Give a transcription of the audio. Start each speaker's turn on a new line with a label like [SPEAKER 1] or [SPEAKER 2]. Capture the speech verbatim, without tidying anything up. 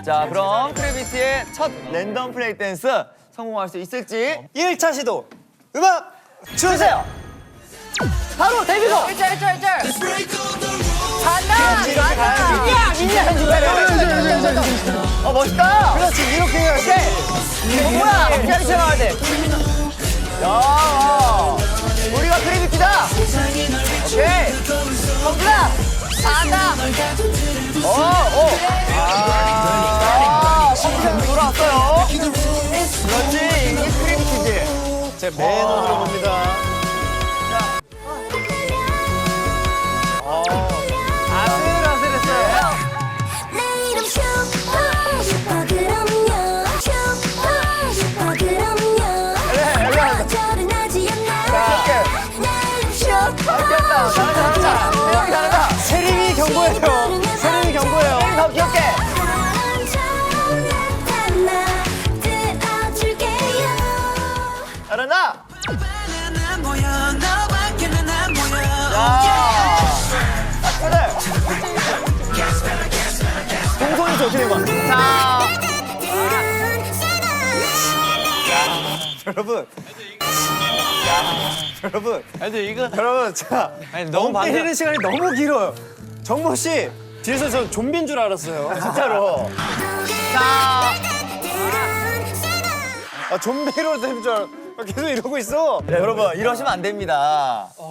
[SPEAKER 1] 자, 그럼 크래비티의 첫 랜덤 플레이 댄스 성공할 수 있을지
[SPEAKER 2] 일 차 시도 음악 주세요.
[SPEAKER 1] 바로 데뷔곡!
[SPEAKER 3] 일절 일절 일절 간다
[SPEAKER 2] 이렇게 가야지.
[SPEAKER 1] 민야! 민야 현주가래! 어, 멋있다!
[SPEAKER 2] 그렇지, 이렇게 해야지.
[SPEAKER 1] 이거 뭐야? 피아니처럼 나와야 돼. 야, 와. 우리가 크래비티다! 오케이! 성준아!
[SPEAKER 3] 간다
[SPEAKER 1] 어, 어! 아, 성준 돌아왔어요. 그렇지, 이게 크래비티지.
[SPEAKER 2] 제 맨손으로 봅니다.
[SPEAKER 1] 아슬아슬했어요.
[SPEAKER 4] 내 이름 슈퍼 슈퍼 그럼요 슈퍼 슈퍼 그럼요 저를 나지 않나 내 이름 슈퍼
[SPEAKER 1] 잘했다, 잘한다, 잘한다. 태영이 잘한다.
[SPEAKER 2] 세림이 경고해요. 세림이 경고해요.
[SPEAKER 1] 더 귀엽게.
[SPEAKER 4] 사람처럼 나타나 들어줄게요
[SPEAKER 1] 잘한다. 야. 그래. 동선이 좋게 된 거야. 자.
[SPEAKER 2] 여러분. 여러분.
[SPEAKER 1] 애들 이거.
[SPEAKER 2] 여러분, 자.
[SPEAKER 1] 아니, 너무 반대.
[SPEAKER 2] 때리는 시간이 너무 길어요. 정모 씨, 뒤에서 저 좀비인 줄 알았어요. 진짜로.
[SPEAKER 1] 자.
[SPEAKER 2] 아, 좀비로 된 줄 알았어. 계속 이러고 있어.
[SPEAKER 1] 네, 여러분 이러시면 안 됩니다.